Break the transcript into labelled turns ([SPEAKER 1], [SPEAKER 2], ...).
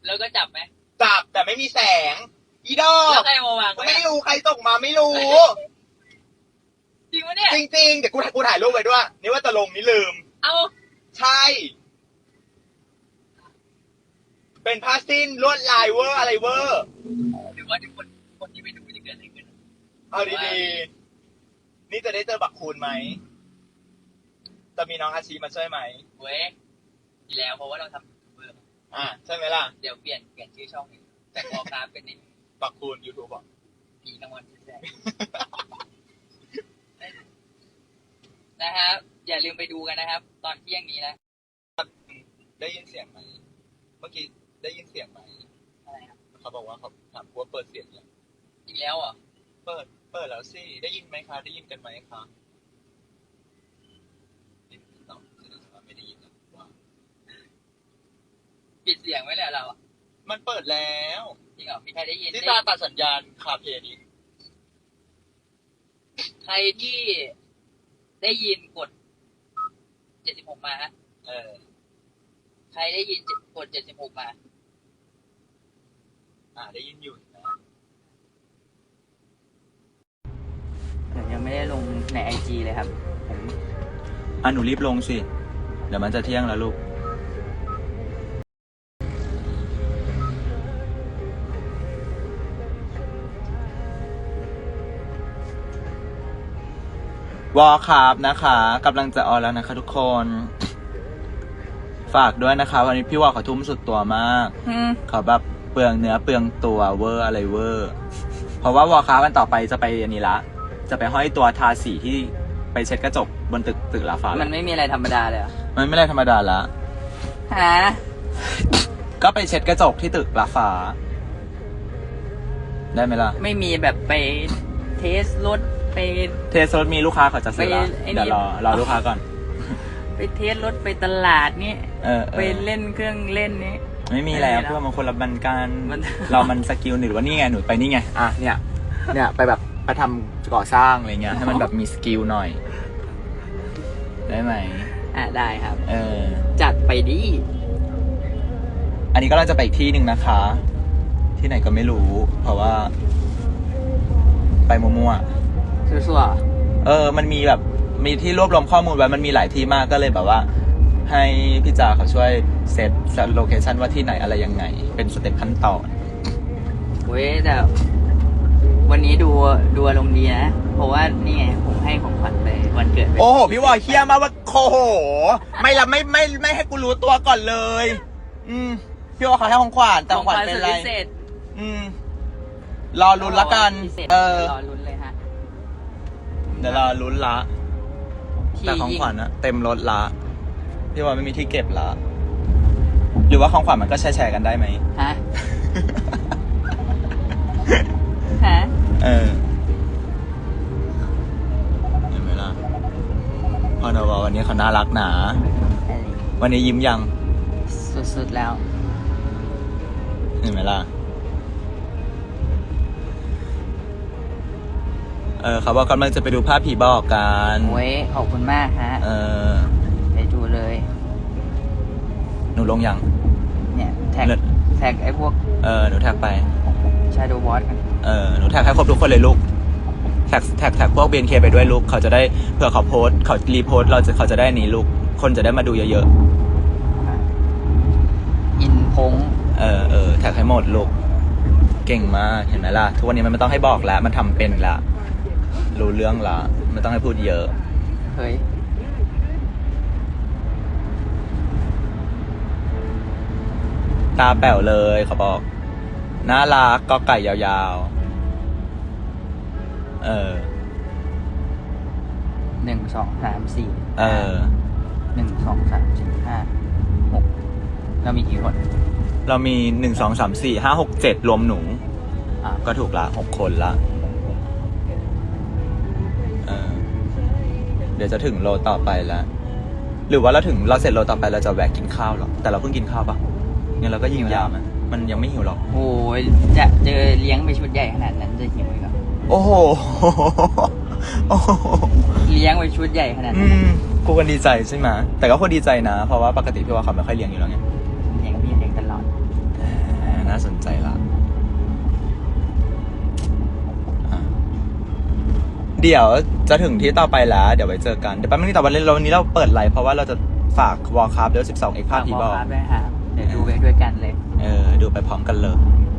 [SPEAKER 1] แล้วก็จับไหม
[SPEAKER 2] จับแต่ไม่มีแสงอีดอ
[SPEAKER 1] แล้ว
[SPEAKER 2] ก
[SPEAKER 1] ใครมาวางไว้
[SPEAKER 2] ไม่รู้ใครส่งมาไม่รู้
[SPEAKER 1] จริงปะเนี่ย
[SPEAKER 2] จริงๆเดี๋ยวกูถ่ายรูปไว้ด้วยนี่ว่าจะลงนี่ลืม
[SPEAKER 1] เอา
[SPEAKER 2] ใช่เป็นผ้าสิ้นลวดลายเวอร์อะไรเวอร์
[SPEAKER 1] หรือว่าทุกคนที่ไปดูจะเกิดอะไรขึ้น
[SPEAKER 2] เอาดีๆนี่จะได้เจอบักคูณไหมจะมีน้องอาชีมาช่วยไหม
[SPEAKER 1] เว้ยทีแล้วเพราะว่าเราทำยูทูบเบอร์
[SPEAKER 2] ใช่ไหมล่ะ
[SPEAKER 1] เดี๋ยวเปลี่ยนชื่อช่องแต่พอกราฟเป็นนี่
[SPEAKER 2] บักคูณยูทูบบอก
[SPEAKER 1] ผีกลางวันแท้นะครับอย่าลืมไปดูกันนะครับ ตอนเที่ยงนี้นะ
[SPEAKER 2] ได้ยินเสียงไหมเมื่อกี้ได้ยินเสียงไหม
[SPEAKER 1] อะไรครับ
[SPEAKER 2] เขาบอกว่าเขาถามว่าเปิดเสียงยัง
[SPEAKER 1] อีกแล้วอ่ะ
[SPEAKER 2] เปิดแล้วสิได้ยินไหมคะได้ยินกันไหมคะไม่ได้ยินว่า
[SPEAKER 1] ปิดเสียงไว้แล้วเราอ่ะ
[SPEAKER 2] มันเปิดแล้ว
[SPEAKER 1] จริงเหรอมีใครได้ยิน
[SPEAKER 2] ที่ตาตัดสัญญาณคาเพนี้
[SPEAKER 1] ใครที่ได้ยินกด76มาฮะใครได้ยินกด76มา
[SPEAKER 2] ได้ยินอยู่นะ
[SPEAKER 1] ยังไม่ได้ลงใน IG เลยครับผม
[SPEAKER 2] หนูรีบลงสิเดี๋ยวมันจะเที่ยงแล้วลูกวอลคาร์บนะคะกำลังจะออนแล้วนะคะทุกคนฝากด้วยนะคะวันนี้พี่วอลเขาทุ่มสุดตัวมากเขาแบบเปลืองเนื้อเปลืองตัวเวอร์อะไรเวอร์เพราะว่าวอลคาร์บวันต่อไปจะไปอันนี้ละจะไปห้อยตัวทาสีที่ไปเช็ดกระจกบนตึกลาฟ้า
[SPEAKER 1] มันไม่มีอะไรธรรมดาเลย
[SPEAKER 2] มันไม่ได้ธรรมดาละก็ไปเช็ดกระจกที่ตึกลาฟ้าได้ไหมล่ะ
[SPEAKER 1] ไม่มีแบบไปเทสรถไป
[SPEAKER 2] เทสรถมีลูกค้าเขาจะซื้อละเดี๋ยวรอลูกค้าก่อน
[SPEAKER 1] ไปเทสรถไปตลาดนี่ไปเล่นเครื่องเล่นนี้
[SPEAKER 2] ไม่มีแล้วเพื่อมันคนละบันการเรามันสกิลหรือว่านี่ไงหนูไปนี่ไงเนี่ยไปแบบไปทำก่อสร้างอะไรเงี้ยให้มันแบบมีสกิลหน่อยได้ไหม
[SPEAKER 1] ได้ครับจัดไปดิ
[SPEAKER 2] อันนี้ก็เราจะไปอีกที่หนึ่งนะคะที่ไหนก็ไม่รู้เพราะว่าไปมั่ว
[SPEAKER 1] ๆซั่ว
[SPEAKER 2] ๆมันมีแบบมีที่รวบรวมข้อมูลไว้มันมีหลายที่มากก็เลยแบบว่าให้พี่จ่าเขาช่วยเซตโลเคชั่นว่าที่ไหนอะไรยังไงเป็นสเต็ปขั้นตอน
[SPEAKER 1] เว้ยแต่วันนี้ดูอารมณ์ดีนะเพราะว่านี่ไงผมให้ของขวัญไปวันเกิด
[SPEAKER 2] โอ้โหพี่วอยเคี้ยมาว่าโคโหไม่ให้กูรู้ตัวก่อนเลยพี่วอยเขาให้ของขวัญแต่ของขวัญเป็นอะไรรอลุ้นละกัน
[SPEAKER 1] รอลุ้นเลยฮะ
[SPEAKER 2] เดี๋ยวรอลุ้นละแต่ของขวัญนะเต็มรถละพี่วอยไม่มีที่เก็บละหรือว่าของขวัญมันก็แชร์กันได้ไหม
[SPEAKER 1] ฮะ
[SPEAKER 2] เห็นไหมล่ะพอนววันนี้เขาน่ารักหนาวันนี้ยิ้มยัง
[SPEAKER 1] สุดๆแล้ว
[SPEAKER 2] เห็นไหมล่ะเขาบอกกำลังจะไปดูภาพผีบอกกัน
[SPEAKER 1] โอ้ยขอบคุณมากฮะไปดูเลย
[SPEAKER 2] หนูลงยัง
[SPEAKER 1] เนี่ยแท็กไอ้พวก
[SPEAKER 2] หนูแท็กไป
[SPEAKER 1] Shadow Boss กัน
[SPEAKER 2] หนูแท็กให้ครบทุกคนเลยลูกแท็กพวก BNK ไปด้วยลูกเขาจะได้เผื่อเขาโพสเขารีโพสเขาจะได้นี้ลูกคนจะได้มาดูเยอะ
[SPEAKER 1] ๆอินพง
[SPEAKER 2] แท็กให้หมดลูกเก่งมากเห็นไหมล่ะทุกวันนี้มันไม่ต้องให้บอกแล้วมันทำเป็นละรู้เรื่องละไม่ต้องให้พูดเยอะ
[SPEAKER 1] เฮ้ย
[SPEAKER 2] ตาแป๋วเลยเขาบอกน่ารักก็ไก่ยาวๆ
[SPEAKER 1] 1 2 3 4 1 2 3 4 5 6เรามีกี่คน
[SPEAKER 2] เรามี1 2 3 4 5 6 7รวมหนูก็ถูกละ6 คนละเดี๋ยวจะถึงโลต่อไปแล้วหรือว่าเราเสร็จโลต่อไปเราจะแวะกินข้าวหรอแต่เราเพิ่งกินข้าวปะงั้นเราก็ยิงยาวมันยังไม่หิวหรอก
[SPEAKER 1] โอ้ยจะเจอเลี้ยงไปชุดใหญ่ขนาดนั้นจะหิวอีกเหรอ
[SPEAKER 2] โอ้โห
[SPEAKER 1] เลี้ยงไปชุดใหญ่ขนาดนั้น
[SPEAKER 2] กูกันดีใจใช่ไหมแต่ก็คนดีใจนะเพราะว่าปกติพี่ว่าเขาไม่ค่อยเลี้ยงอยู่แล้วไง
[SPEAKER 1] เลี้ยงตลอด
[SPEAKER 2] เดี๋ยวจะถึงที่ต่อไปแล้วเดี๋ยวไว้เจอกันเดี๋ยวแป๊บนึงแต่วันนี้เราเปิดไลฟ์เพราะว่าเราจะฝากวอลคราฟเดี๋ยว12 เอ็กซ์ภาพผีบอก
[SPEAKER 1] ด้วยฮะเดี๋ยวดูไปด้วยกันเลย
[SPEAKER 2] ดูไปพร้อมกันเลย